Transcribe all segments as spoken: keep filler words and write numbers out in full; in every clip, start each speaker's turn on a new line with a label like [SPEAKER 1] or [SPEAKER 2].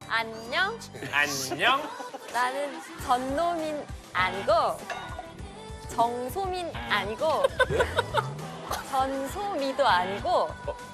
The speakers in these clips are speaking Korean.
[SPEAKER 1] 안녕.
[SPEAKER 2] 안녕.
[SPEAKER 1] 나는 전노민 아니고 정소민 아니고 전소미도 아니고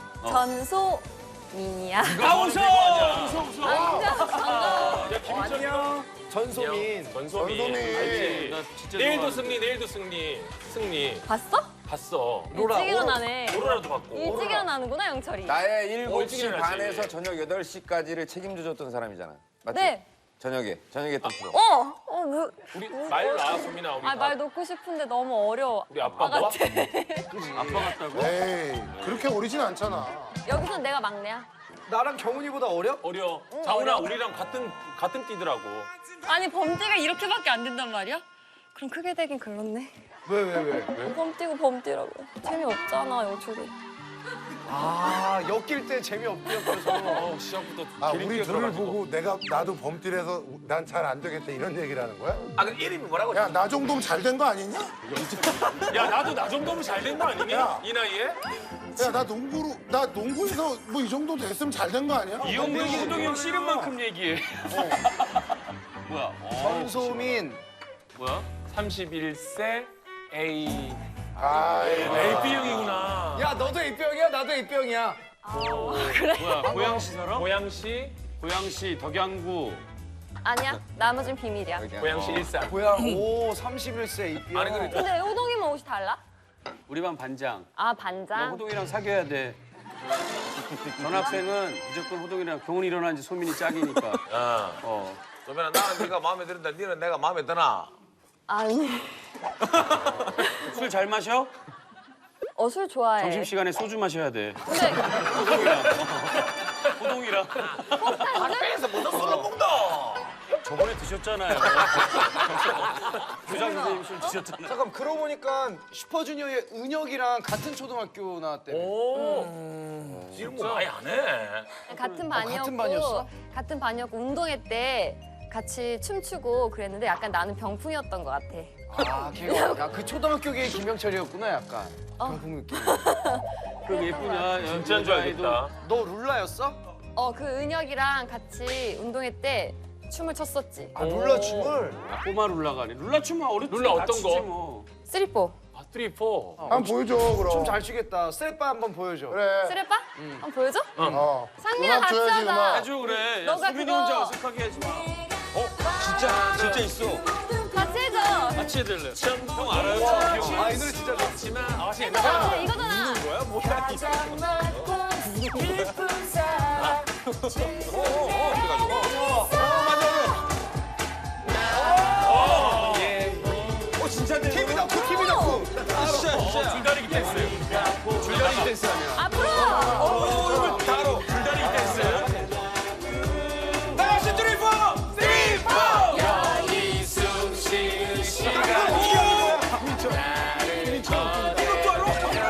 [SPEAKER 1] 전소민이야.
[SPEAKER 2] 아 웃어. 웃어 웃어.
[SPEAKER 1] 안녕. 반가워.
[SPEAKER 2] 야 김철이야.
[SPEAKER 3] 전소민.
[SPEAKER 2] 전소민.
[SPEAKER 4] 전소민.
[SPEAKER 2] 알지?
[SPEAKER 3] 나 진짜
[SPEAKER 2] 내일도
[SPEAKER 3] 좋아하는데.
[SPEAKER 2] 승리, 내일도 승리. 승리.
[SPEAKER 1] 봤어?
[SPEAKER 2] 봤어.
[SPEAKER 1] 일찍 일어나네.
[SPEAKER 2] 오로라도 봤고.
[SPEAKER 1] 일찍 일어나는구나 영철이.
[SPEAKER 4] 나의
[SPEAKER 2] 어,
[SPEAKER 4] 일곱
[SPEAKER 2] 일찍
[SPEAKER 4] 시
[SPEAKER 2] 일어나지.
[SPEAKER 4] 반에서 저녁 여덟 시까지를 책임져줬던 사람이잖아. 맞지?
[SPEAKER 1] 네.
[SPEAKER 4] 저녁에, 저녁에 했던 프로.
[SPEAKER 1] 어. 어 뭐.
[SPEAKER 2] 우리 말 나, 소민아. 우리
[SPEAKER 1] 아 말 놓고 싶은데 너무 어려워.
[SPEAKER 2] 우리 아빠 뭐?
[SPEAKER 3] 아빠 같다고?
[SPEAKER 5] 에이, 그렇게 어리진 않잖아.
[SPEAKER 1] 여기선 내가 막내야.
[SPEAKER 3] 나랑 경훈이보다 어려?
[SPEAKER 2] 어려. 자훈아 우리랑 같은 같은 띠더라고.
[SPEAKER 1] 아니 범띠가 이렇게밖에 안 된단 말이야? 그럼 크게 되긴 글렀네.
[SPEAKER 3] 왜, 왜, 왜?
[SPEAKER 1] 범띠고 범띠라고. 재미없잖아 영철이.
[SPEAKER 3] 아, 엮일 때 재미없대요, 그래서.
[SPEAKER 2] 어, 시작부터
[SPEAKER 5] 아,
[SPEAKER 2] 기름기가
[SPEAKER 5] 우리 둘을
[SPEAKER 2] 들어가지고.
[SPEAKER 5] 보고 내가 나도 범띠라서 난 잘 안 되겠다 이런 얘기를 하는 거야?
[SPEAKER 2] 아, 그 이름이 뭐라고?
[SPEAKER 5] 야, 나 정도면 잘 된 거 아니냐?
[SPEAKER 2] 야, 나도 나 정도면 잘 된 거 아니니?
[SPEAKER 5] 야.
[SPEAKER 2] 이 나이에?
[SPEAKER 5] 야, 나 농구로 나 농구에서 뭐 이 정도 됐으면 잘 된 거 아니야?
[SPEAKER 2] 이용동, 호동이 형 씨름 만큼 얘기해. 뭐야?
[SPEAKER 3] 전소민.
[SPEAKER 2] 뭐야? 삼십일 세 A.
[SPEAKER 5] 아,
[SPEAKER 2] 에이비형이구나.
[SPEAKER 3] 야, 너도 입병이야? 나도 입병이야.
[SPEAKER 6] 뭐야, 고양시 살아?
[SPEAKER 2] 고양시,
[SPEAKER 6] 고양시, 덕양구.
[SPEAKER 1] 아니야. 나머진 비밀이야.
[SPEAKER 2] 고양시 일산.
[SPEAKER 3] 뭐야, 오, 삼십일 세 입병.
[SPEAKER 2] 아니, 그래.
[SPEAKER 1] 근데 호동이만 옷이 달라?
[SPEAKER 6] 우리 반 반장.
[SPEAKER 1] 아
[SPEAKER 6] 너
[SPEAKER 1] 반장.
[SPEAKER 6] 호동이랑 사귀어야 돼. 전학생은 무조건 호동이랑 경훈이 일어난지 소민이 짝이니까.
[SPEAKER 7] 어.
[SPEAKER 6] 어.
[SPEAKER 7] 소민아, 나는 네가 마음에 드는데 니는 내가 마음에 드나?
[SPEAKER 1] 아니.
[SPEAKER 6] 술 잘 마셔?
[SPEAKER 1] 어 술 좋아해.
[SPEAKER 6] 점심시간에 소주 마셔야 돼.
[SPEAKER 1] 근데
[SPEAKER 6] 호동이랑. 호동이랑.
[SPEAKER 7] 학교에서 무슨 술을 먹노?
[SPEAKER 6] 저번에 드셨잖아요. 교장 선생님 술 드셨잖아요.
[SPEAKER 3] 잠깐, 그러고 보니까 슈퍼주니어의 은혁이랑 같은 초등학교 나왔대.
[SPEAKER 7] 오. 지금 뭐 많이 안 해.
[SPEAKER 1] 같은 반이었고
[SPEAKER 3] 같은 반이었어?
[SPEAKER 1] 같은 반이었고 운동회 때 같이 춤추고 그랬는데 약간 나는 병풍이었던 것 같아.
[SPEAKER 3] 아, 걔가, 야, 그 초등학교계 김영철이었구나, 약간.
[SPEAKER 1] 어.
[SPEAKER 3] 병풍 느낌.
[SPEAKER 6] 그럼 예쁘냐? 야,
[SPEAKER 2] 진짜인 줄 알겠다.
[SPEAKER 3] 너 룰라였어?
[SPEAKER 1] 어 그 은혁이랑 같이 운동회 때 춤을 췄었지.
[SPEAKER 3] 아, 룰라 춤을?
[SPEAKER 6] 야, 꼬마 룰라가 아니. 룰라 춤은 어렸을 때
[SPEAKER 2] 룰라 어떤
[SPEAKER 6] 같이
[SPEAKER 2] 거?
[SPEAKER 6] 추지 뭐.
[SPEAKER 1] 쓰리포.
[SPEAKER 2] 아, 쓰리, 포.
[SPEAKER 5] 한번 보여줘 그럼.
[SPEAKER 3] 춤 잘 추겠다. 스텝바 한번 보여줘.
[SPEAKER 5] 그래.
[SPEAKER 1] 쓰레빠? 한번 보여줘?
[SPEAKER 5] 어.
[SPEAKER 1] 상민아
[SPEAKER 5] 음악
[SPEAKER 1] 같이
[SPEAKER 5] 줘야지,
[SPEAKER 1] 하자.
[SPEAKER 5] 음악.
[SPEAKER 6] 해줘 그래. 야,
[SPEAKER 1] 너가
[SPEAKER 6] 소민이
[SPEAKER 1] 그거-
[SPEAKER 6] 혼자 어색하게 하지 마.
[SPEAKER 7] 진짜, 진짜 있어.
[SPEAKER 1] 같이 해줘.
[SPEAKER 6] 같이 해달래. 형 알아요? 춤
[SPEAKER 3] 아, 이 노래 진짜 좋아.
[SPEAKER 2] 하지만 아, 진짜
[SPEAKER 1] 이거잖아. 이거잖아.
[SPEAKER 7] 오, 진짜 돼.
[SPEAKER 3] 팀이 덕후, 팀이 덕후.
[SPEAKER 7] 진짜, 진짜.
[SPEAKER 2] 줄다리기 댄스. 줄다리기 댄스 하면.
[SPEAKER 1] 앞으로.
[SPEAKER 7] 오, 이거 다 알아.
[SPEAKER 2] 줄다리기 댄스.
[SPEAKER 7] 다 같이 쓰리, 포! 쓰리, 포!
[SPEAKER 2] 여기 숨 쉬는 시간.
[SPEAKER 7] 이것도 알아?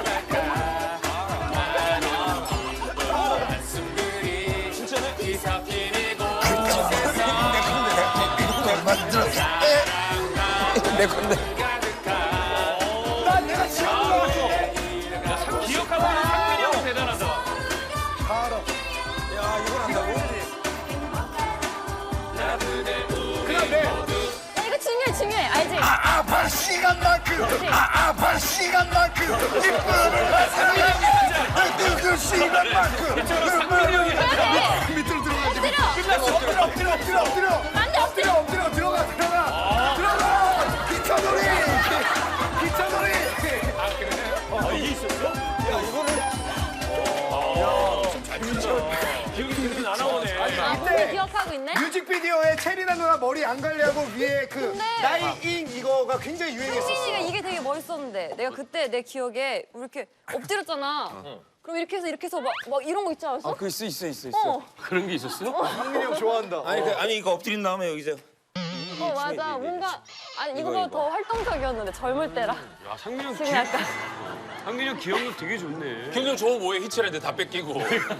[SPEAKER 2] 진짜네? 뒤섞이는
[SPEAKER 4] 내 건데.
[SPEAKER 3] 난 내가 지금 불러왔어.
[SPEAKER 2] 기억하고 있는 상민이 형 대단하다.
[SPEAKER 7] 야, 이걸 한다고?
[SPEAKER 3] 그냥 내.
[SPEAKER 1] 야, 이거 중요해 중요해. 알지?
[SPEAKER 5] 아파 시간만큼, 아, 아파 시간만큼, 이쁨을 사랑해. 그 시간만큼.
[SPEAKER 2] 상민이 형이
[SPEAKER 5] 밑으로 들어가지.
[SPEAKER 1] 엎드려.
[SPEAKER 5] 엎드려, 엎드려, 엎드려, 엎드려.
[SPEAKER 1] 안돼 엎드려.
[SPEAKER 5] 엎드려, 엎드려, 들어가, 들어가. 들어가. 기차놀이. 기차놀이.
[SPEAKER 2] 아, 이게 있었어?
[SPEAKER 7] 야, 이거를.
[SPEAKER 2] 기억이 지금 안 나오네.
[SPEAKER 1] 아 오늘 기억하고 있네?
[SPEAKER 3] 뮤직비디오에 체리나 누나 머리 안 관리하고 위에 그
[SPEAKER 1] 근데-
[SPEAKER 3] 나이잉 이거가 굉장히 유행했었어.
[SPEAKER 1] 상민이가 이게 되게 멋있었는데 내가 그때 내 기억에 우리 이렇게 엎드렸잖아. 그럼 이렇게 해서 이렇게 해서 막, 막 이런 거 있지 않았어?
[SPEAKER 4] 아, 그 있어, 있어, 있어, 있어.
[SPEAKER 1] 어,
[SPEAKER 6] 그런 게 있었어?
[SPEAKER 3] 상민이 형 좋아한다.
[SPEAKER 7] 아니, 그, 아니, 이거 엎드린 다음에 여기서.
[SPEAKER 1] 어 맞아. 뭔가 아니 이거보다 더 활동적이었는데 젊을 때라.
[SPEAKER 6] 야, 상민이 형
[SPEAKER 1] 지금
[SPEAKER 6] 기억,
[SPEAKER 1] 약간
[SPEAKER 6] 상민이 형 기억력 되게 좋네.
[SPEAKER 2] 경영 좋은 뭐에 히치했는데 다 뺏기고.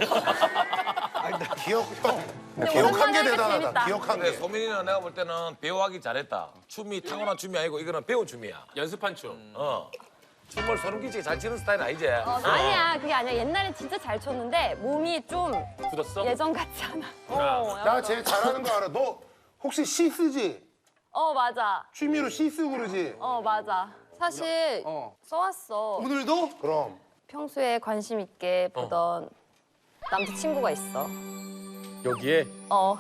[SPEAKER 5] 기억, 형.
[SPEAKER 1] 근데
[SPEAKER 5] 기억한
[SPEAKER 1] 오랜만에
[SPEAKER 5] 게
[SPEAKER 1] 하니까
[SPEAKER 5] 대단하다.
[SPEAKER 1] 재밌다.
[SPEAKER 5] 기억한
[SPEAKER 7] 근데
[SPEAKER 5] 게.
[SPEAKER 7] 소민이는 내가 볼 때는 배우하기 잘했다. 춤이 타고난 춤이 아니고 이거는 배운 춤이야.
[SPEAKER 2] 연습한 춤.
[SPEAKER 7] 어.
[SPEAKER 8] 춤을 소름 끼치게 잘 추는 스타일은 아니지.
[SPEAKER 1] 어, 아니야 그게 아니야. 옛날엔 진짜 잘 췄는데 몸이 좀
[SPEAKER 2] 굳었어?
[SPEAKER 1] 예전 같지 않아. 어,
[SPEAKER 5] 나
[SPEAKER 1] 약간-
[SPEAKER 5] 제일 잘하는 거 알아. 너 혹시 시 쓰지?
[SPEAKER 1] 어 맞아.
[SPEAKER 5] 취미로 시 쓰고 그러지?
[SPEAKER 1] 어 맞아. 사실
[SPEAKER 3] 어.
[SPEAKER 1] 써왔어.
[SPEAKER 3] 오늘도?
[SPEAKER 5] 그럼.
[SPEAKER 1] 평소에 관심 있게 보던 남자친구가 있어.
[SPEAKER 2] 여기에
[SPEAKER 1] 어.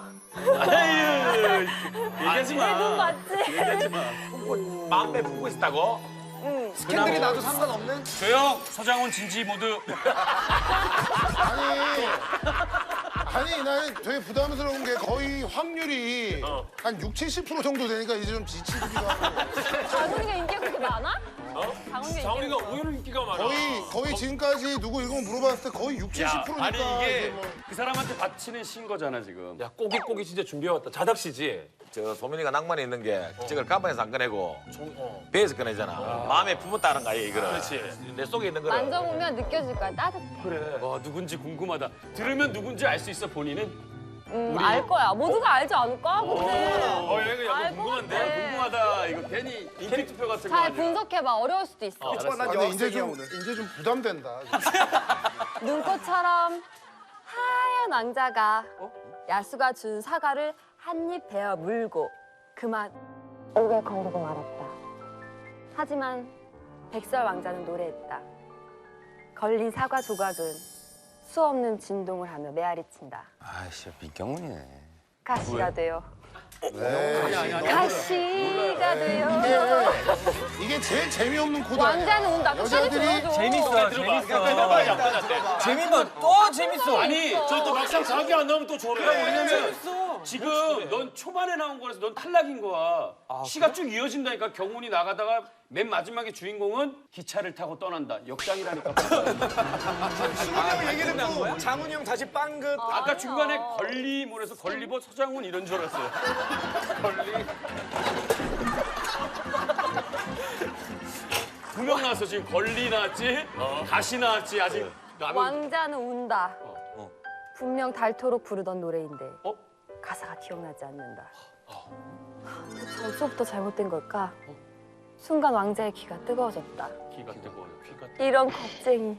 [SPEAKER 6] 얘기하지 마.
[SPEAKER 1] 내 눈 맞지?
[SPEAKER 8] 마음에 품고 있었다고?
[SPEAKER 1] 응.
[SPEAKER 3] 스캔들이 나도 상관없는?
[SPEAKER 6] 조용. 서장훈 진지 모두.
[SPEAKER 5] 아니. 아니 나는 되게 부담스러운 게 거의 확률이 한 육, 칠십 퍼센트 정도 되니까 이제 좀 지치기도 하고.
[SPEAKER 1] 장훈이가 인기가 그렇게 많아?
[SPEAKER 6] 어?
[SPEAKER 1] 장훈이가
[SPEAKER 6] 장훈이가
[SPEAKER 1] 인기가
[SPEAKER 6] 의외로 인기가 많아.
[SPEAKER 5] 거의 거의 지금까지 누구 이거 물어봤을 때 거의 육, 칠십 퍼센트니까
[SPEAKER 6] 아니 이게
[SPEAKER 5] 뭐.
[SPEAKER 6] 그 사람한테 바치는 시인 거잖아 지금.
[SPEAKER 2] 야 꼬깃꼬깃 진짜 준비해왔다. 자닥시지?
[SPEAKER 8] 저 소민이가 낭만이 있는 게 저걸 가방에서 안 꺼내고
[SPEAKER 2] 어.
[SPEAKER 8] 배에서 꺼내잖아. 마음에 품었다는 거야 이거를.
[SPEAKER 6] 그렇지.
[SPEAKER 8] 내 속에 있는 거를.
[SPEAKER 1] 만져보면 느껴질 거야. 따뜻해.
[SPEAKER 6] 그래. 와 누군지 궁금하다. 들으면 누군지 알 수 있어 본인은?
[SPEAKER 1] 음, 알 거야. 모두가 알지 않을까? 근데.
[SPEAKER 6] 어 이거 약간
[SPEAKER 1] 알 것
[SPEAKER 6] 궁금한데?
[SPEAKER 1] 같아.
[SPEAKER 6] 궁금하다. 이거 괜히 인기 투표 같은 거
[SPEAKER 1] 잘
[SPEAKER 6] 아니야?
[SPEAKER 1] 분석해봐. 어려울 수도 있어.
[SPEAKER 3] 난
[SPEAKER 5] 아, 근데 이제
[SPEAKER 3] 여학생이야
[SPEAKER 5] 좀
[SPEAKER 3] 오늘.
[SPEAKER 5] 이제 좀 부담된다.
[SPEAKER 1] 눈꽃처럼 하얀 왕자가 야수가 준 사과를 한 입 베어 물고 그만 옥에 거르고 말았다. 하지만 백설 왕자는 노래했다. 걸린 사과 조각은 수없는 진동을 하며 메아리친다.
[SPEAKER 4] 아씨 민경훈이네.
[SPEAKER 1] 가시가 돼요.
[SPEAKER 5] 네.
[SPEAKER 1] 가시가 돼요.
[SPEAKER 5] 이게, 이게 제일 재미없는 코드 아니야.
[SPEAKER 1] 왕자는 온다. 끝까지
[SPEAKER 5] 여자들이
[SPEAKER 1] 들어줘.
[SPEAKER 2] 재밌어, 재밌어. 재밌어, 또 재밌어.
[SPEAKER 6] 아니 저 또 막상 자기 안 나오면 또 저래. 왜냐면 지금 넌 초반에 나온 거라서 넌 탈락인 거야. 시가 쭉 이어진다니까. 경훈이 나가다가 맨 마지막에 주인공은 기차를 타고 떠난다. 역장이라니까.
[SPEAKER 3] 아, 얘기를 듣고 장훈이 형 다시 빵긋.
[SPEAKER 6] 아까
[SPEAKER 1] 아니야.
[SPEAKER 6] 중간에 걸리몰에서 걸리버 서장훈 이런 줄 알았어요. 걸리. 두 명 나왔어 지금. 걸리 나왔지, 가시 나왔지. 아직 남은.
[SPEAKER 1] 왕자는 운다.
[SPEAKER 6] 어.
[SPEAKER 1] 분명 닳도록 부르던 노래인데
[SPEAKER 6] 어?
[SPEAKER 1] 가사가 기억나지 않는다. 대체 어디서부터 잘못된 걸까? 순간 왕자의 귀가 뜨거워졌다.
[SPEAKER 6] 귀가 뜨거워요. 귀가 뜨거워.
[SPEAKER 1] 이런 겁쟁이.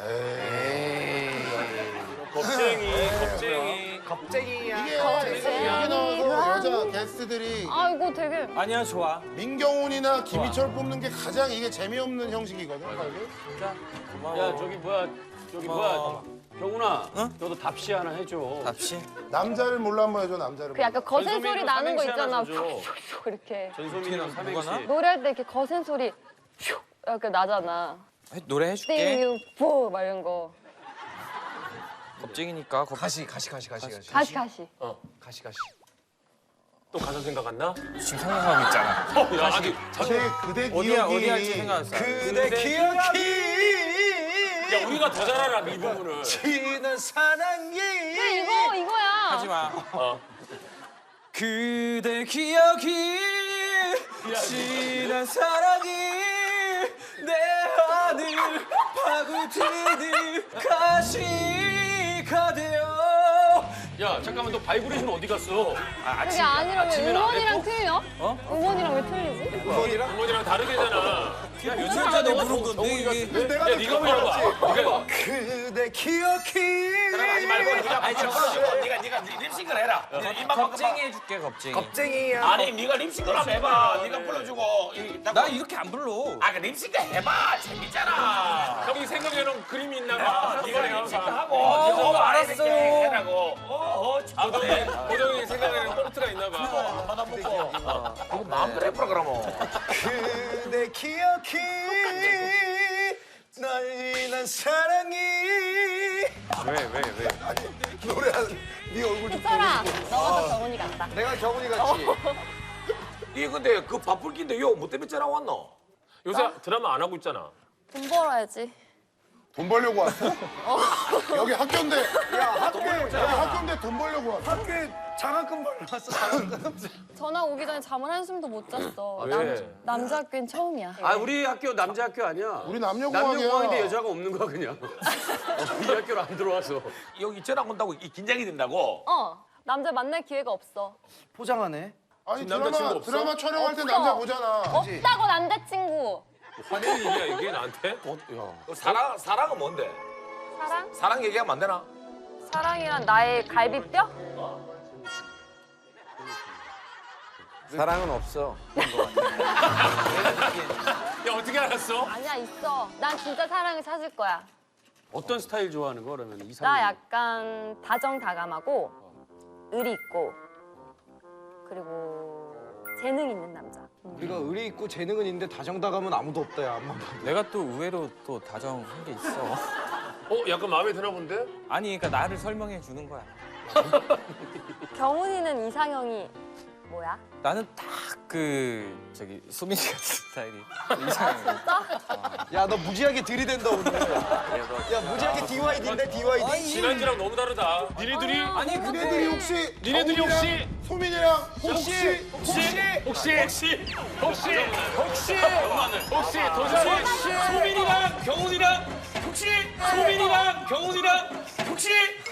[SPEAKER 6] 겁쟁이, 겁쟁이.
[SPEAKER 3] 겁쟁이야.
[SPEAKER 5] 이게 여기 나와서 여자 게스트들이
[SPEAKER 1] 아 이거 되게
[SPEAKER 7] 아니야 좋아.
[SPEAKER 5] 민경훈이나 김희철 뽑는 게 가장 이게 재미없는 형식이거든.
[SPEAKER 6] 야 저기 뭐야, 저기 뭐야. 경훈아, 너도 답시 하나 해줘.
[SPEAKER 7] 답시.
[SPEAKER 5] 남자를 몰라 한번 해줘 남자를.
[SPEAKER 1] 그 약간 거센 소리
[SPEAKER 6] 전소민이랑
[SPEAKER 1] 나는 거
[SPEAKER 6] 삼행시 하나
[SPEAKER 1] 있잖아.
[SPEAKER 6] 줘줘.
[SPEAKER 1] 이렇게
[SPEAKER 6] 전소민이랑 삼행시.
[SPEAKER 1] 노래할 때 이렇게 거센 소리 슉 이렇게 나잖아.
[SPEAKER 7] 노래 해줄게.
[SPEAKER 1] 띵유포 막 이런 거.
[SPEAKER 7] 겁쟁이니까 겁.
[SPEAKER 3] 가시, 가시, 가시, 가시, 가시.
[SPEAKER 1] 가시 가시.
[SPEAKER 3] 가시, 가시.
[SPEAKER 2] 또 가사 생각 안 나?
[SPEAKER 7] 지금 생각하고 있잖아.
[SPEAKER 6] 야, 아직
[SPEAKER 5] 그대 그대
[SPEAKER 7] 어디야
[SPEAKER 5] 기억이
[SPEAKER 7] 어디 할지 생각했어.
[SPEAKER 3] 그대 기억이
[SPEAKER 6] 야 우리가 더 잘 알아 이 부분을.
[SPEAKER 3] 지는 사랑이.
[SPEAKER 1] 그래 이거 이거야.
[SPEAKER 7] 하지 마.
[SPEAKER 6] 어.
[SPEAKER 7] 그대 기억이 지난 사랑이 내 안을 파고드는 가시가 되어.
[SPEAKER 6] 야 잠깐만 너 바이브레이션 어디 갔어? 아,
[SPEAKER 1] 그게 아니라 왜
[SPEAKER 6] 아침에는 안
[SPEAKER 1] 응원이랑
[SPEAKER 6] 했고?
[SPEAKER 1] 틀려?
[SPEAKER 7] 어?
[SPEAKER 1] 응원이랑 왜 틀리지?
[SPEAKER 3] 어머니랑?
[SPEAKER 6] 어머니랑 다르게잖아. 야
[SPEAKER 7] 며칠 전에 부른 건데 이게.
[SPEAKER 3] 내가
[SPEAKER 6] 야 네가 불러봐. 네가 해봐.
[SPEAKER 3] 그대 기억이.
[SPEAKER 8] 하지 말고 네가 아니 불러주고 네가 네가 립싱글 해라. 입만
[SPEAKER 7] 겁쟁이 해줄게 겁쟁이.
[SPEAKER 3] 겁쟁이야.
[SPEAKER 8] 아니 네가 립싱글 한번 해봐. 네가 불러주고. 이-
[SPEAKER 7] 나 이렇게 안 불러.
[SPEAKER 8] 아, 그 립싱글 해봐. 재밌잖아.
[SPEAKER 2] 형이 생각해놓은 그림이 있나
[SPEAKER 8] 아,
[SPEAKER 2] 봐.
[SPEAKER 8] 네가 립싱글 하고.
[SPEAKER 7] 어,
[SPEAKER 8] 네가 오빠
[SPEAKER 7] 알았어.
[SPEAKER 8] 이렇게 해라고. 어, 어, 참.
[SPEAKER 2] 호동이 생각해놓은 포르트가 있나 봐.
[SPEAKER 8] 하나 먹고. 이거 마음대로 해보라 그러면.
[SPEAKER 3] 그대 기억이 널 난 사랑이.
[SPEAKER 2] 왜, 왜, 왜?
[SPEAKER 3] 노래하는 네 얼굴 좀.
[SPEAKER 1] 철아, 너가 더 경훈이 같다.
[SPEAKER 3] 내가 경훈이 같지.
[SPEAKER 8] 이 근데 그 바쁠긴데 요뭐 때문에 전화 왔노?
[SPEAKER 2] 요새 드라마 안 하고 있잖아.
[SPEAKER 1] 돈 벌어야지.
[SPEAKER 5] 돈 벌려고 왔어? 여기 학교인데. 야 학교 여기 학교인데 돈 벌려고 왔어.
[SPEAKER 3] 학교에 장학금 벌러왔어. 장학금.
[SPEAKER 1] 전화 오기 전에 잠을 한숨도 못 잤어.
[SPEAKER 2] 왜?
[SPEAKER 1] 남, 남자 학교엔 처음이야.
[SPEAKER 6] 아 우리 학교 남자 학교 아니야.
[SPEAKER 5] 우리 남녀공학이야.
[SPEAKER 6] 남녀공학인데 여자가 없는 거야 그냥. 어, 이 학교로 안 들어와서.
[SPEAKER 8] 여기 전화 온다고 이 긴장이 된다고?
[SPEAKER 1] 어, 남자 만날 기회가 없어.
[SPEAKER 3] 포장하네.
[SPEAKER 5] 아니
[SPEAKER 2] 남자친구
[SPEAKER 5] 드라마
[SPEAKER 2] 없어?
[SPEAKER 5] 드라마 촬영할 때
[SPEAKER 1] 없어.
[SPEAKER 5] 남자 보잖아.
[SPEAKER 1] 없다고 남자친구.
[SPEAKER 8] 화내는 얘기야 이게 나한테? 어, 사랑 사랑은 뭔데?
[SPEAKER 1] 사랑?
[SPEAKER 8] 사랑 얘기하면 안 되나?
[SPEAKER 1] 사랑이란 나의 갈비뼈?
[SPEAKER 4] 사랑은 없어.
[SPEAKER 6] 야 어떻게 알았어?
[SPEAKER 1] 아니야, 있어. 난 진짜 사랑을 찾을 거야.
[SPEAKER 6] 어떤 스타일 좋아하는 거 그러면 이상.
[SPEAKER 1] 나 약간 다정다감하고 의리 있고 그리고 재능 있는 남자. 음.
[SPEAKER 3] 우리가 의리 있고 재능은 있는데 다정다감은 아무도 없다 야. 안만 봐도.
[SPEAKER 7] 내가 또 의외로 또 다정한 게 있어.
[SPEAKER 8] 어 약간 마음에 드나 본데?
[SPEAKER 7] 아니 그러니까 나를 설명해 주는 거야.
[SPEAKER 1] 경훈이는 이상형이 뭐야?
[SPEAKER 7] 나는 딱 그 저기 수민이 같은 스타일이 이상해.
[SPEAKER 3] 야, 너 무지하게 들이댄다 오늘. 야, 무지하게 디와이디인데 디와이디.
[SPEAKER 8] 지난주랑 너무 다르다.
[SPEAKER 6] 니네들이
[SPEAKER 1] 아니,
[SPEAKER 5] 니네들이 혹시
[SPEAKER 6] 니네들이
[SPEAKER 5] 경훈이랑
[SPEAKER 6] 혹시-
[SPEAKER 5] 소민이랑 혹시
[SPEAKER 6] 혹시 혹시 혹시 혹시 혹시 혹시 도대체 소민이랑 경훈이랑 혹시 소민이랑 경훈이랑 혹시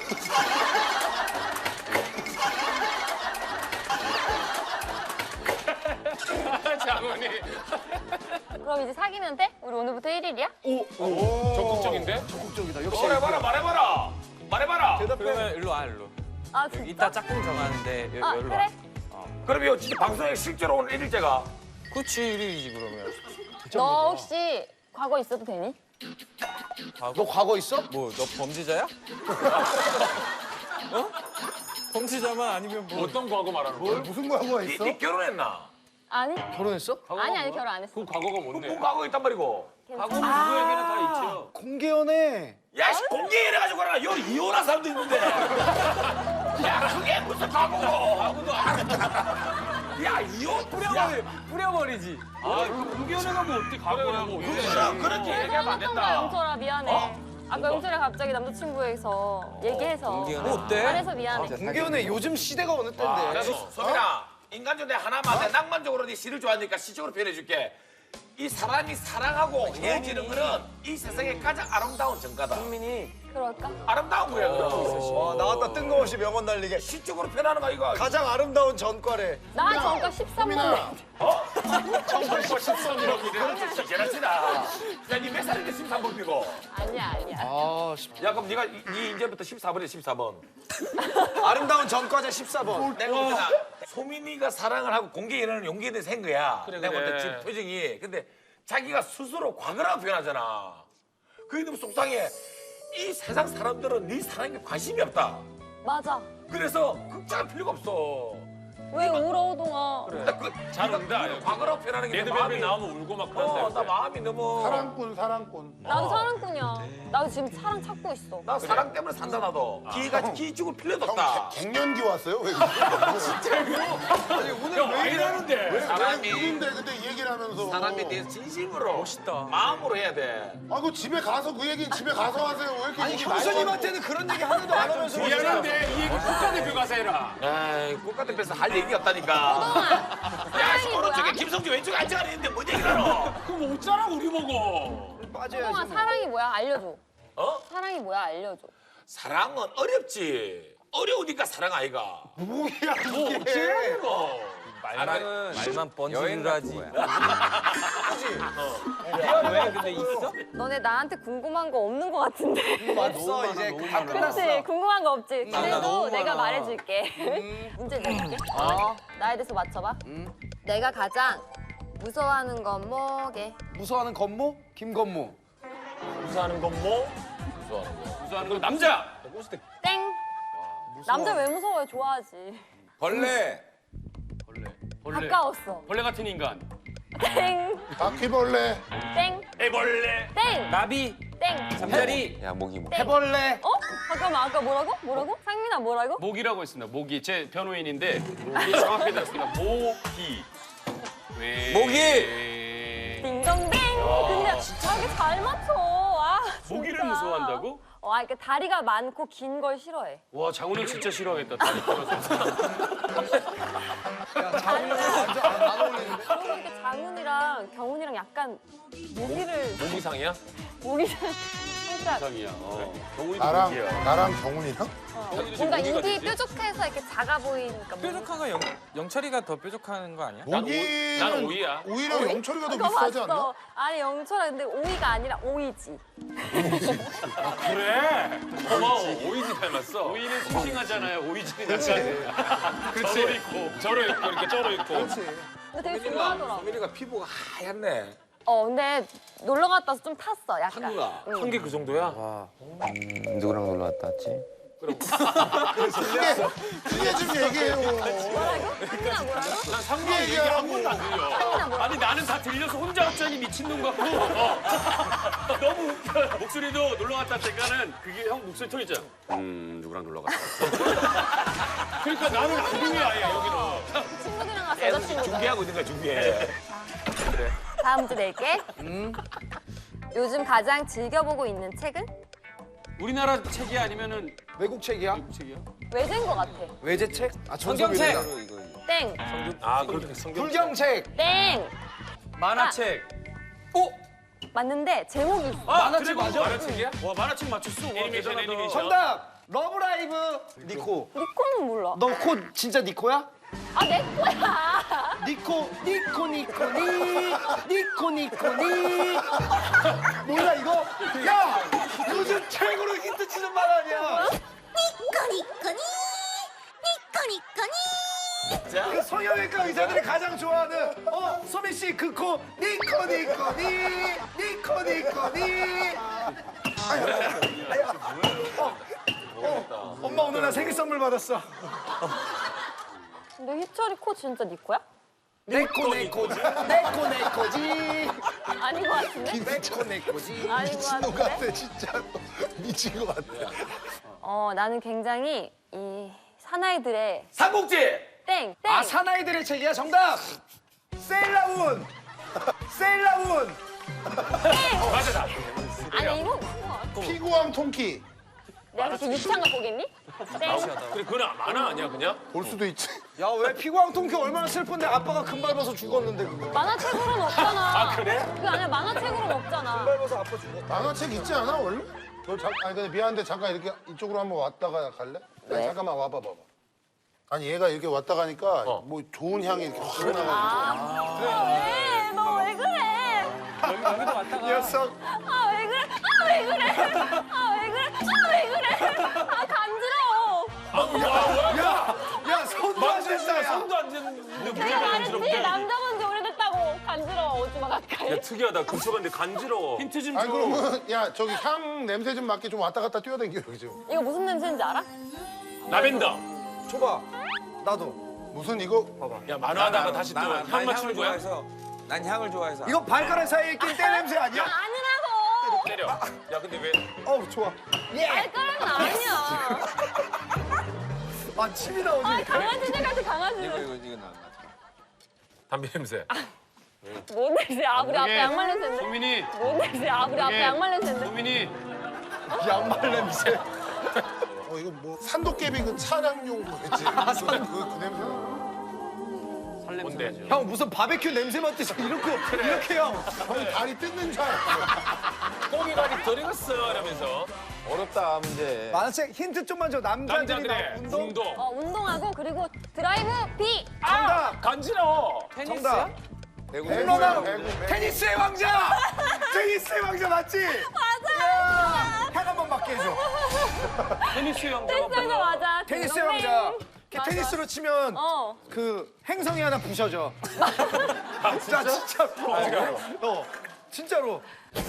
[SPEAKER 6] 장훈이
[SPEAKER 1] 그럼 이제 사귀면 돼? 우리 오늘부터 일 일이야?
[SPEAKER 8] 적극적인데?
[SPEAKER 3] 적극적이다. 역시.
[SPEAKER 8] 말해봐라 말해봐라 말해봐라.
[SPEAKER 7] 그러면 일로 와 일로.
[SPEAKER 1] 아, 진짜?
[SPEAKER 7] 이따 짝꿍 정하는데 여,
[SPEAKER 1] 아,
[SPEAKER 7] 여기로
[SPEAKER 1] 그래?
[SPEAKER 7] 와.
[SPEAKER 8] 그럼 이거 진짜 방송에 실제로 오늘 일일째가
[SPEAKER 7] 그치 일일이지 그러면.
[SPEAKER 1] 너 혹시 과거 있어도 되니?
[SPEAKER 3] 너 과거 있어?
[SPEAKER 7] 뭐 너 범죄자야? 어? 범죄자만 아니면 뭐.
[SPEAKER 8] 어떤 과거 말하는 거야?
[SPEAKER 5] 무슨 과거가
[SPEAKER 8] 니,
[SPEAKER 5] 있어?
[SPEAKER 8] 니 결혼했나?
[SPEAKER 1] 아니?
[SPEAKER 3] 결혼했어?
[SPEAKER 1] 아니, 아니, 결혼 안 했어.
[SPEAKER 6] 그 과거가 뭔데?
[SPEAKER 8] 그 과거 있단 말이고.
[SPEAKER 6] 과거는 누구에게는 다 있죠.
[SPEAKER 3] 공개연애.
[SPEAKER 8] 야, 씨, 공개 이래가지고 그러나 여 이혼한 사람도 있는데. 야, 그게 무슨 과거고? 과거도 야, 이혼 뿌려버리,
[SPEAKER 7] 뿌려버리지.
[SPEAKER 6] 아, 공개연애가 뭐 어떻게 과거야 뭐.
[SPEAKER 8] 그럼 그렇게 얘기하면 안
[SPEAKER 1] 잘못한 거야,
[SPEAKER 8] 된다.
[SPEAKER 1] 영철아. 미안해. 아까 영철이 갑자기 남자친구에서 얘기해서.
[SPEAKER 7] 공개연애 어때?
[SPEAKER 1] 그래서 미안해.
[SPEAKER 3] 공개연애 요즘 시대가 어느 때인데.
[SPEAKER 8] 그래서 소민아, 인간적으로 내 하나만 내 낭만적으로 네 시를 좋아하니까 시적으로 표현해줄게. 이 사람이 사랑하고 헤어지는 거는 이 세상의 가장 아름다운 정가다.
[SPEAKER 1] 그럴까?
[SPEAKER 8] 아름다운 거야, 그럼.
[SPEAKER 3] 와, 나왔다 뜬금없이 명언 날리게.
[SPEAKER 8] 시적으로 표현하는 거 이거.
[SPEAKER 3] 가장 아름다운 전과래.
[SPEAKER 1] 나 전과 십삼 번.
[SPEAKER 8] 제라치다. 야, 니 몇 살인데 십삼 번 피고?
[SPEAKER 1] 아니야, 아니야.
[SPEAKER 3] 아,
[SPEAKER 8] 야, 그럼 네가 이- 니 이제부터 십사 번에 십사 번.
[SPEAKER 3] 아름다운 전과자 십사 번.
[SPEAKER 8] 내가 볼 때는 소민이가 사랑을 하고 공개 연애는 용기에 대해서 한 거야. 내가 볼 때
[SPEAKER 6] 그래.
[SPEAKER 8] 지금 표정이. 근데 자기가 스스로 과거라고 표현하잖아. 그게 너무 속상해. 이 세상 사람들은 네 사랑에 관심이 없다.
[SPEAKER 1] 맞아.
[SPEAKER 8] 그래서 극장할 필요가 없어.
[SPEAKER 1] 왜 울어, 동아?
[SPEAKER 8] 근데 그,
[SPEAKER 6] 잘
[SPEAKER 8] 네가
[SPEAKER 6] 운다.
[SPEAKER 8] 네가 과거라고 표현하는 게 내
[SPEAKER 6] 레드벨벳
[SPEAKER 8] 마음이
[SPEAKER 6] 나오면 울고 막
[SPEAKER 8] 어,
[SPEAKER 6] 그런다.
[SPEAKER 8] 나 마음이 너무.
[SPEAKER 5] 사랑꾼 사랑꾼.
[SPEAKER 1] 나도 사랑꾼이야. 나도 지금 사랑 찾고 있어.
[SPEAKER 8] 나 사랑 때문에 산다 나도. 기가 기 죽을 필요도 없다.
[SPEAKER 5] 갱년기 왔어요? 왜?
[SPEAKER 3] 아니, 오늘
[SPEAKER 8] 형,
[SPEAKER 3] 왜
[SPEAKER 8] 왜
[SPEAKER 3] 이래?
[SPEAKER 8] 이러는데?
[SPEAKER 5] 왜
[SPEAKER 8] 사람이
[SPEAKER 5] 누군데 근데 이 얘기를 하면서
[SPEAKER 8] 사람에 대해서 진심으로 멋있다. 마음으로 해야 돼.
[SPEAKER 5] 아, 그 집에 가서 그 얘기는 집에 가서 하세요. 왜 이렇게
[SPEAKER 3] 아니,
[SPEAKER 5] 얘기
[SPEAKER 3] 형수님한테는 그런 얘기 하나도 안 하면서.
[SPEAKER 6] 미안한데 이 얘기 국가대표 가서 해라.
[SPEAKER 8] 에이, 국가대표에서 할 얘기가 없다니까.
[SPEAKER 1] 동아,
[SPEAKER 8] 야,
[SPEAKER 1] 사랑이
[SPEAKER 8] 오른쪽에
[SPEAKER 1] 뭐야?
[SPEAKER 8] 김성주 왼쪽에 앉아가 있는데 뭔 얘기를 하노?
[SPEAKER 6] 그럼 어쩌라고 우리 보고.
[SPEAKER 3] 빠져야지.
[SPEAKER 1] 동아,
[SPEAKER 3] 뭐.
[SPEAKER 1] 사랑이 뭐야? 알려줘.
[SPEAKER 8] 어?
[SPEAKER 1] 사랑이 뭐야? 알려줘.
[SPEAKER 8] 사랑은 어렵지. 어려우니까 사랑 아이가.
[SPEAKER 5] 뭐야
[SPEAKER 8] 뭐
[SPEAKER 5] 이게?
[SPEAKER 8] 어째 뭐.
[SPEAKER 4] 사랑은
[SPEAKER 7] 말만
[SPEAKER 4] 여행
[SPEAKER 7] 번지를
[SPEAKER 4] 같은
[SPEAKER 7] 하지.
[SPEAKER 4] 거야.
[SPEAKER 7] 왜 근데 있어?
[SPEAKER 1] 너네 나한테 궁금한 거 없는 거 같은데.
[SPEAKER 3] 없어, 이제 다 끝났어.
[SPEAKER 1] 그렇지? 궁금한 거 없지?
[SPEAKER 7] 나
[SPEAKER 1] 그래도
[SPEAKER 7] 너무
[SPEAKER 1] 내가
[SPEAKER 7] 많아.
[SPEAKER 1] 말해줄게. 문제 내줄게. 어. 나에 대해서 맞춰봐. 내가 가장 무서워하는 건 뭐게?
[SPEAKER 3] 무서워하는 건모? 김건모.
[SPEAKER 8] 무사하는 건 뭐? 무서워하는 거.
[SPEAKER 6] 무서워하는 건 남자.
[SPEAKER 1] 땡. 남자 왜 무서워해? 좋아하지.
[SPEAKER 4] 벌레.
[SPEAKER 6] 벌레. 벌레.
[SPEAKER 1] 가까웠어.
[SPEAKER 6] 벌레 같은 인간.
[SPEAKER 1] 땡.
[SPEAKER 5] 바퀴벌레.
[SPEAKER 1] 땡.
[SPEAKER 8] 애벌레.
[SPEAKER 1] 땡.
[SPEAKER 7] 나비
[SPEAKER 1] 땡.
[SPEAKER 7] 잠자리
[SPEAKER 4] 야 목이 뭐.
[SPEAKER 3] 해벌레.
[SPEAKER 1] 어? 잠깐만 아까 뭐라고? 뭐라고? 상민아 뭐라고?
[SPEAKER 6] 모기라고 했습니다. 모기. 제 변호인인데 모기 정확히 들었습니다. 모기. 왜?
[SPEAKER 4] 모기!
[SPEAKER 1] 딩동댕. 근데 자기 잘 맞춰. 아, 진짜.
[SPEAKER 6] 모기를 무서워한다고?
[SPEAKER 1] 어, 아, 그러니까 다리가 많고 긴 걸 싫어해.
[SPEAKER 6] 와 장훈은 진짜 싫어하겠다. 다리 떨어져.
[SPEAKER 3] 야, 장훈이 완전 안, 안 어울리는데?
[SPEAKER 1] 그러고 보니까 장훈이랑 경훈이랑 약간 모기를
[SPEAKER 8] 모기상이야?
[SPEAKER 1] 모기를 진짜
[SPEAKER 6] 이상이야. 어. 경훈이도
[SPEAKER 5] 나랑
[SPEAKER 6] 그게야.
[SPEAKER 5] 나랑 경훈이랑?
[SPEAKER 1] 어, 뭔가 입이 뾰족해서 이렇게 작아 보이니까.
[SPEAKER 7] 뾰족한 건 영, 영철이가 더 뾰족한 거 아니야?
[SPEAKER 5] 여기는
[SPEAKER 2] 난 오이야.
[SPEAKER 5] 오히려 영철이가 더
[SPEAKER 1] 그거
[SPEAKER 5] 비싸지 않나?
[SPEAKER 1] 봤어. 아니 영철아 근데 오이가 아니라 오이지.
[SPEAKER 2] 그래. 고마워. 오이지 닮았어.
[SPEAKER 6] 오이는 싱싱하잖아요. 오이지는 약간
[SPEAKER 2] 그렇지. 저러 있고 저러 있고 이렇게 저러 있고.
[SPEAKER 1] 근데 되게 좋아하더라.
[SPEAKER 8] 소민이가 피부가 하얗네.
[SPEAKER 1] 어 근데 놀러 갔다 와서 좀 탔어 약간.
[SPEAKER 8] 한국아.
[SPEAKER 1] 응.
[SPEAKER 2] 한 개 그 정도야?
[SPEAKER 4] 음, 누구랑 놀러 갔다 왔지?
[SPEAKER 5] 크게 좀 얘기해요.
[SPEAKER 1] 뭐라고? 뭐라고?
[SPEAKER 6] 난 상규 얘기 한 번도 안 들려.
[SPEAKER 1] 상민아 뭐라고?
[SPEAKER 6] 아니 나는 다 들려서 혼자 왔자니 미친놈 같고 어. 너무 웃겨. 목소리도 놀러 갔다 때가는 그게 형 목소리 톤 있잖아. 음 누구랑 놀러 갔다 왔어. 그러니까 나는 안 들려 아예 여기는.
[SPEAKER 1] 친구들이랑 가서 여자친구들.
[SPEAKER 8] 준비하고 있는 거야 준비해.
[SPEAKER 1] 다음 문제 낼게. 요즘 가장 즐겨보고 있는 책은?
[SPEAKER 6] 우리나라 책이 아니면은
[SPEAKER 3] 외국 책이야?
[SPEAKER 6] 미국 책이야?
[SPEAKER 1] 외제인 것 같아.
[SPEAKER 3] 외제책? 아
[SPEAKER 7] 성경책!
[SPEAKER 3] 전설이다.
[SPEAKER 1] 땡.
[SPEAKER 2] 아 그렇게 성경.
[SPEAKER 3] 불경책.
[SPEAKER 1] 땡.
[SPEAKER 7] 만화책.
[SPEAKER 1] 맞는데 제목이 있어.
[SPEAKER 6] 아,
[SPEAKER 3] 만화책
[SPEAKER 6] 그래,
[SPEAKER 3] 맞아?
[SPEAKER 6] 만화책이야? 와 만화책 맞췄어. 와,
[SPEAKER 2] 애니메이션,
[SPEAKER 6] 대단하다.
[SPEAKER 2] 애니메이션.
[SPEAKER 3] 정답. 러브라이브 니코.
[SPEAKER 1] 니코는 몰라.
[SPEAKER 3] 너 코 진짜 니코야?
[SPEAKER 1] 아 내 거야.
[SPEAKER 3] 니코 니코 니코니 니코 니코니. 몰라 이거? 야 요즘 최고로 히트 치는 말 아니야?
[SPEAKER 9] 니코니코니 니코니코니
[SPEAKER 3] 그 성형외과 의사들이 가장 좋아하는 어 소민 씨 그 코 니코 니코니 니코 니코니. 아유, 아유, 어, 어, 엄마 오늘 나 생일 선물 받았어.
[SPEAKER 1] 근데 희철이 코 진짜 니코야?
[SPEAKER 3] 내코 내코지 내코 내코지
[SPEAKER 1] 아닌 것 같은데?
[SPEAKER 3] 내코 내코지.
[SPEAKER 1] 아닌 것
[SPEAKER 5] 미친 것
[SPEAKER 1] 같은데?
[SPEAKER 5] 같아 진짜. 미친 것 같아.
[SPEAKER 1] 어 나는 굉장히 이 사나이들의
[SPEAKER 8] 삼국지.
[SPEAKER 1] 땡! 땡!
[SPEAKER 3] 아 사나이들의 책이야 정답. 세일라운 세일라운.
[SPEAKER 8] 맞아.
[SPEAKER 1] 아니 이거 그거
[SPEAKER 5] 피구왕 통키
[SPEAKER 1] 내가 그렇게 유치한 거 보겠니? 땡!
[SPEAKER 2] 그래 그건 만화 아니야 그냥?
[SPEAKER 5] 볼 수도 있지.
[SPEAKER 3] 야 왜 피구왕 통키 얼마나 슬픈데 아빠가 금 밟아서 죽었는데 그거.
[SPEAKER 1] 만화책으로는 없잖아.
[SPEAKER 2] 아, 그래?
[SPEAKER 1] 그게 아니라 만화책으로는 없잖아.
[SPEAKER 3] 밟아서 아빠 죽었다.
[SPEAKER 5] 만화책 있지 않아 원래? 너 잠, 아니 근데 미안한데 잠깐 이렇게 이쪽으로 한번 왔다가 갈래? 아니,
[SPEAKER 1] 왜?
[SPEAKER 5] 잠깐만 와봐 봐봐. 아니 얘가 이렇게 왔다 가니까
[SPEAKER 2] 어.
[SPEAKER 5] 뭐 좋은 향이 이렇게 확 나가지고.
[SPEAKER 1] 아, 왜? 너 왜 그래?
[SPEAKER 7] 여기도 왔다가
[SPEAKER 3] 녀석.
[SPEAKER 1] 아, 왜 그래? 아, 왜 그래? 아, 왜 그래? 아, 왜 그래? 아, 간지러워.
[SPEAKER 3] 야 손도 안 된다. 야.
[SPEAKER 2] 손도 안 됐는데
[SPEAKER 1] 내가
[SPEAKER 2] 뭐가
[SPEAKER 1] 말했지.
[SPEAKER 2] 간지럽대?
[SPEAKER 1] 남자 본 지 오래됐다고. 간지러워. 오지 마, 가까이.
[SPEAKER 2] 야 특이하다. 근처 갔는데 간지러워.
[SPEAKER 6] 힌트 좀
[SPEAKER 5] 아니
[SPEAKER 6] 줘.
[SPEAKER 5] 그러면 야 저기 향 냄새 좀 맡게 좀 왔다 갔다 뛰어다녀 여기 좀.
[SPEAKER 1] 이거 무슨 냄새인지 알아?
[SPEAKER 2] 라벤더.
[SPEAKER 3] 줘봐. 나도.
[SPEAKER 5] 무슨 이거
[SPEAKER 2] 야 만화하다가 다시 또 향 맞추는 거야?
[SPEAKER 4] 좋아해서 난 향을 좋아해서.
[SPEAKER 3] 이거 발가락 사이에 낀 때 냄새 아니야?
[SPEAKER 1] 아니라고.
[SPEAKER 2] 때려. 야 근데 왜?
[SPEAKER 3] 어 좋아.
[SPEAKER 1] 발가락은 아니야.
[SPEAKER 3] 아 침이 나오지.
[SPEAKER 1] 아, 강아지들 같아, 강아지들.
[SPEAKER 4] 이거 이거 이거 나.
[SPEAKER 2] 담배 냄새.
[SPEAKER 1] 뭔 냄새야? 아, 우리 앞에
[SPEAKER 6] 이게
[SPEAKER 1] 양말 냄새인데.
[SPEAKER 6] 소민이
[SPEAKER 1] 뭔 냄새야? 아, 우리 앞에
[SPEAKER 6] 이게
[SPEAKER 1] 양말 냄새인데.
[SPEAKER 6] 소민이
[SPEAKER 3] 양말 냄새.
[SPEAKER 5] 어 이거 뭐 산도깨비 그 차량용 뭐였지? 그, 그, 그 냄새.
[SPEAKER 2] 뭔데?
[SPEAKER 3] 형 무슨 바베큐 냄새 맡듯이 이렇게 이렇게 형.
[SPEAKER 5] 형이 다리 뜯는 줄 알았어.
[SPEAKER 2] 고기발이 덜 익었어 이러면서.
[SPEAKER 4] 어렵다 문제.
[SPEAKER 3] 만화책 힌트 좀만 줘. 남자들이 나
[SPEAKER 2] 남자들의
[SPEAKER 3] 운동.
[SPEAKER 2] 운동.
[SPEAKER 1] 어, 운동하고 그리고 드라이브 비.
[SPEAKER 3] 정답.
[SPEAKER 2] 간지러워.
[SPEAKER 3] 정답.
[SPEAKER 4] 배구
[SPEAKER 3] 홈런왕.
[SPEAKER 5] 배구, 배구.
[SPEAKER 3] 테니스의 왕자. 테니스의 왕자 맞지? 맞아. 향 한번 맡게 해줘.
[SPEAKER 6] 테니스 영장
[SPEAKER 1] 텐션도 맞아.
[SPEAKER 3] 테니스의
[SPEAKER 1] 딩동댕.
[SPEAKER 3] 왕자. 이렇게
[SPEAKER 1] 맞아.
[SPEAKER 3] 테니스로 치면
[SPEAKER 1] 어.
[SPEAKER 3] 그 행성이 하나 부셔져. 아, 진짜? 진짜로. 어, 진짜로.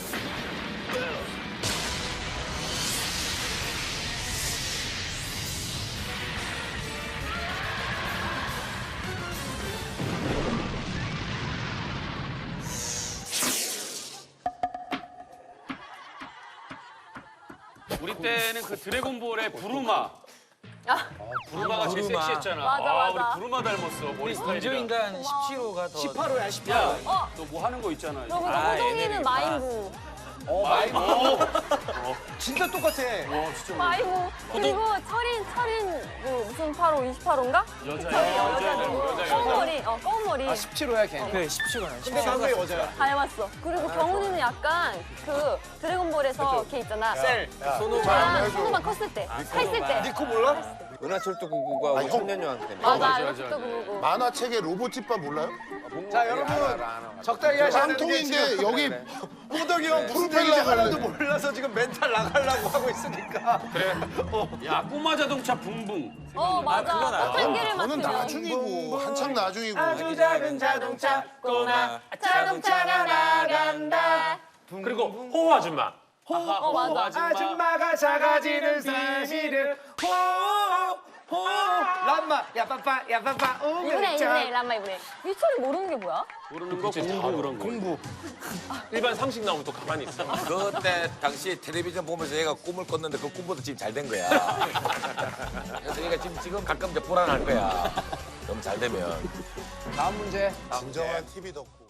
[SPEAKER 6] 우리 때는 그 드래곤볼의 부르마.
[SPEAKER 1] 아,
[SPEAKER 6] 부르마가 제일
[SPEAKER 7] 부르마.
[SPEAKER 6] 섹시했잖아.
[SPEAKER 1] 맞아,
[SPEAKER 6] 아,
[SPEAKER 1] 맞아.
[SPEAKER 6] 우리 부르마 닮았어. 머리 스타일이랑.
[SPEAKER 7] 인조인간 십칠 호가 더
[SPEAKER 3] 십팔 호야, 십팔
[SPEAKER 6] 야,
[SPEAKER 3] 호.
[SPEAKER 1] 어.
[SPEAKER 6] 너 뭐 하는 거 있잖아.
[SPEAKER 1] 그리고
[SPEAKER 7] 아,
[SPEAKER 1] 호동이는
[SPEAKER 7] 얘네들이
[SPEAKER 1] 마인부.
[SPEAKER 3] 진짜 똑같아.
[SPEAKER 1] 마이무. 그리고 철인, 철인, 뭐 무슨 팔호, 이십팔 호인가? 여자야. 여자고. 검은머리, 어, 검은머리.
[SPEAKER 3] 십칠 호야 걔.
[SPEAKER 7] 그래 십칠 호야.
[SPEAKER 3] 근데 남자 여자야.
[SPEAKER 1] 닮았어. 그리고 경훈이는 약간 그 드래곤볼에서 걔 있잖아.
[SPEAKER 3] 셀.
[SPEAKER 1] 손오만, 손오만 컸을 때, 했을 때.
[SPEAKER 3] 니코 몰라?
[SPEAKER 4] 은하철도 구구가
[SPEAKER 5] 아, 형.
[SPEAKER 4] 천년여왕 때문에.
[SPEAKER 1] 맞아, 이것도 그거고.
[SPEAKER 5] 만화책의 로봇집밥 몰라요?
[SPEAKER 3] 자 여러분 적당히 하셔야 되는데
[SPEAKER 5] 깡통인데
[SPEAKER 3] 지금
[SPEAKER 5] 여기
[SPEAKER 3] 호덕이 형 무슨
[SPEAKER 5] 프로펠러가
[SPEAKER 3] 얘기인지 하나도
[SPEAKER 5] 있네.
[SPEAKER 3] 몰라서 지금 멘탈 나가려고 하고 있으니까.
[SPEAKER 6] 야 꼬마 자동차 붕붕.
[SPEAKER 1] 어, 맞아. 한 개를
[SPEAKER 5] 저는
[SPEAKER 1] 맡으면.
[SPEAKER 5] 나중이고 한창 나중이고.
[SPEAKER 3] 작은 자동차
[SPEAKER 1] 꼬마 자동차가 나간다.
[SPEAKER 8] 그리고 호호 아줌마.
[SPEAKER 1] 어, 맞아.
[SPEAKER 3] 아줌마가 작아지는 사실을 호호 람마 야빠빠 야빠빠
[SPEAKER 1] 이분해, 이분해, 람마 이분해. 이철이 모르는 게 뭐야?
[SPEAKER 6] 모르는 거 공부 그런 거. 공부.
[SPEAKER 8] 일반 상식 나오면 또 가만히 있어.
[SPEAKER 10] 그때 당시 텔레비전 보면서 얘가 꿈을 꿨는데 그 꿈보다 지금 잘 된 거야. 그래서 얘가 지금 지금 가끔 이제 불안할 거야. 너무 잘 되면.
[SPEAKER 4] 다음 문제.
[SPEAKER 5] 진정한 티비 덕후.